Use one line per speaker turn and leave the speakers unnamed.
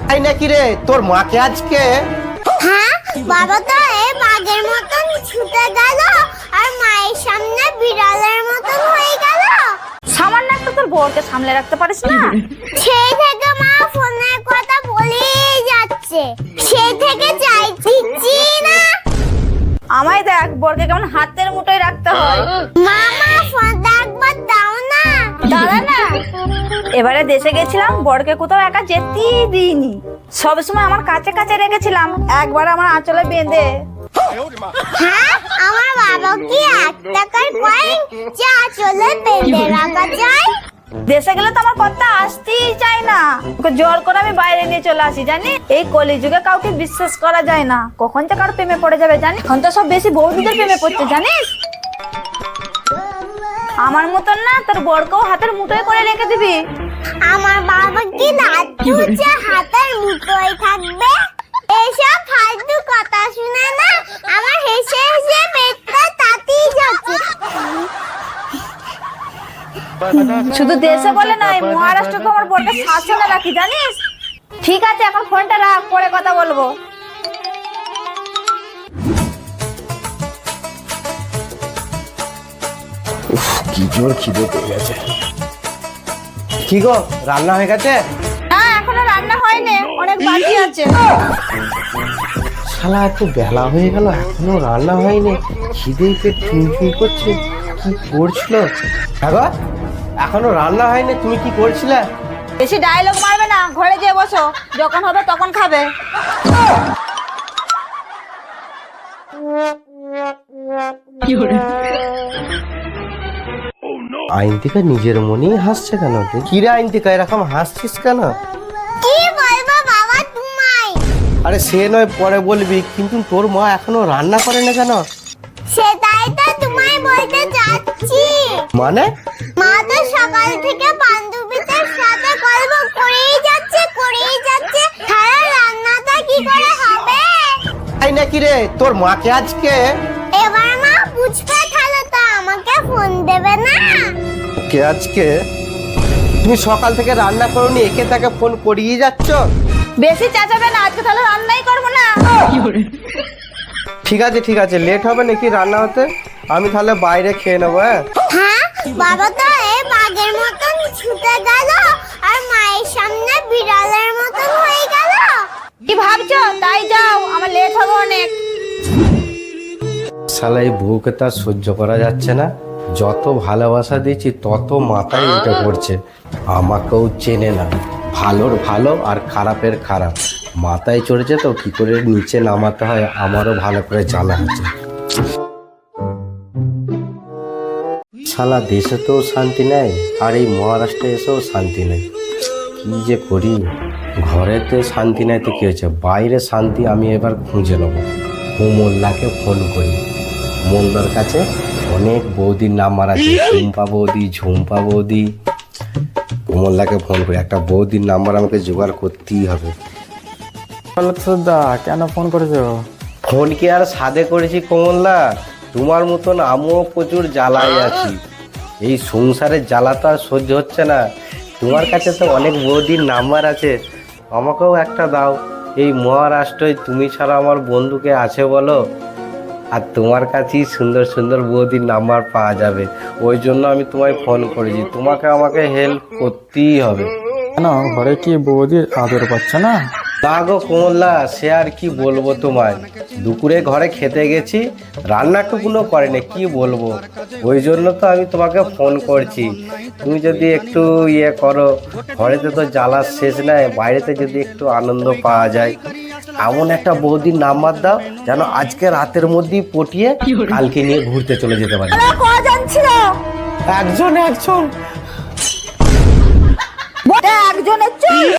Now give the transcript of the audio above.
তাই নাকি রে, তোর মাকে আজকে?
হ্যাঁ, বাবা তো এই বাঘের মতন ছুটে গেল আর মায়ের সামনে বিড়ালের মতন হয়ে গেল।
সামান্য একটা তোর বউকে সামলে রাখতে পারিস না?
সেই থেকে মা ফোনের কথা বলেই যাচ্ছে, সেই থেকে চাইছি না।
আমায় দেখ, বরকে কেমন হাতের মুঠোয় রাখতে হয়।
মামা ফোনটা একবার দাও না।
দাঁড়া না, এবারে দেশে গেছিলাম, বরকে কোথাও একা যেতেই দিইনি, সবসময় আমার কাছে কাছে রেখেছিলাম, একবার আমার আঁচলে বেঁধে।
হ্যাঁ, আমার বাবা কি 1 টাকার কয়েন যা চলে বেঁধে রাখা যায়?
দেশে গেলে তো আমার কথা আসতেই চাই না, ওকে জোর করে আমি বাইরে নিয়ে চলে আসি। জানি এই কলিযুগে কাউকে বিশ্বাস করা যায় না, কখন যে কারো প্রেমে পড়ে যাবে জানি। এখন তো সব বেশি বৌদিদের প্রেমে পড়ছে জানিস। আমার মতন না, তোর বরকেও হাতের মুঠোয় করে রেখে দিবি।
আমার বাবা কি লাট্টু যে হাতের মুঠোয় থাকবে? এসব ফালতু কথা শুনে না আমার হেসে হেসে পেটটা তাতিয়ে যাচ্ছে।
শুধু দেশে বলে নয়, মহারাষ্ট্র তো আমার বরকে শাসনে রাখি জানিস। ঠিক আছে, এখন ফোনটা রাখ, পরে কথা বলবো।
কি জোর খিদে পেয়ে গেছে। কি গো, রান্না হয়ে গেছে?
না, এখনো রান্না হয়নি, অনেক বাকি আছে।
শালা এত বেলা হয়ে গেল এখনো রান্না হয়নি, খিদে পেট চুনচুন করছে। কি করছিল? হ্যাঁ, এখনো রান্না হয়নি, তুমি কি করছিলে?
বেশি ডায়লগ মারবে না, ঘরে যেয়ে বসো, যখন হবে তখন খাবে।
আইনতিকা নিজের মনেই হাসছে কেন? কি রে আইনতিকা, এরকম হাসছিস কেন?
কি বলবো বাবা তোমায়?
আরে সে নয় পরে বলবি, কিন্তু তোর মা এখনো রান্না করে না কেন?
সেটাই তো তোমায় বলতে যাচ্ছি।
মানে?
মা তো সকাল থেকে বান্ধবীদের সাথে গল্প করেই যাচ্ছে। তাহলে রান্নাটা কি করে হবে?
তাই নাকি রে, তোর মাকে আজকে?
এবার মা বুঝবে, তাহলে তো আমাকে ফোন দেবে না।
কে আজকে? তুমি সকাল থেকে রান্না করোনি, একে তাকে ফোন করিয়ে যাচ্ছ।
বেশি চেঁচাবে না, আজকে তাহলে রান্নাই করবো না।
ঠিক আছে, লেট হবে নাকি রান্না হতে? আমি তাহলে বাইরে খেয়ে নেবো।
হ্যাঁ, বাবা তো এই বাঘের মতন ছুটে গেল আর মায়ের সামনে বিড়ালের মতন হয়ে গেল।
কি ভাবছো? তাই যাও, আমার লেট হবে অনেক।
শালা এই বউকে তার সহ্য করা যাচ্ছে না, যত ভালোবাসা দিয়েছি তত মাথায় উঠে পড়ছে। আমাকেও চেনে না, ভালোর ভালো আর খারাপের খারাপ মাথায় চড়েছে, তো কি করে নিচে নামাতে হয় আমারও ভালো করে জানা আছে। শালা দেশে তো শান্তি নেই, আর এই মহারাষ্ট্রে এসেও শান্তি নেই। কি যে করি, ঘরেতে শান্তি নেই তো কি হয়েছে, বাইরে শান্তি আমি এবার খুঁজে নেবো। মোল্লাকে ফোন করি, মোল্লার কাছে অনেক বৌদির নাম্বার আছে, ঝুম্পা বৌদি। মোল্লাকে ফোন করি, একটা বৌদির নাম্বার আমাকে জোগাড় করতেই হবে।
দা কেন ফোন করেছো?
ফোন কি আর সাদে করেছি কমলদা, তোমার মতন আমিও প্রচুর জ্বালায় আছি। এই সংসারের জ্বালা তো আর সহ্য হচ্ছে না। তোমার কাছে তো অনেক বৌদির নাম্বার আছে, আমাকেও একটা দাও। এই মহারাষ্ট্রয় তুমি ছাড়া আমার বন্ধুকে আছে বলো? আর তোমার কাছেই সুন্দর সুন্দর বৌদির নাম্বার পাওয়া যাবে, ওই জন্য আমি তোমায় ফোন করেছি। তোমাকে আমাকে হেল্প করতেই হবে।
কেন, ঘরে কি বৌদির আদর পাচ্ছে না?
না গো কমলদা, সে আর কি বলবো তোমায়, দুপুরে ঘরে খেতে গেছি, রান্নাটুকুনো করেনি, কি বলবো। ওই জন্য তো আমি তোমাকে ফোন করছি, তুমি যদি একটু ইয়ে করো। ঘরেতে তো জ্বালার শেষ নাই, বাইরেতে যদি একটু আনন্দ পাওয়া যায়। এমন একটা বৌদির নাম্বার দাও যেন আজকে রাতের মধ্যেই পটিয়ে কালকে নিয়ে ঘুরতে চলে যেতে পারি।
কজন ছিল?
একজন।
একজনের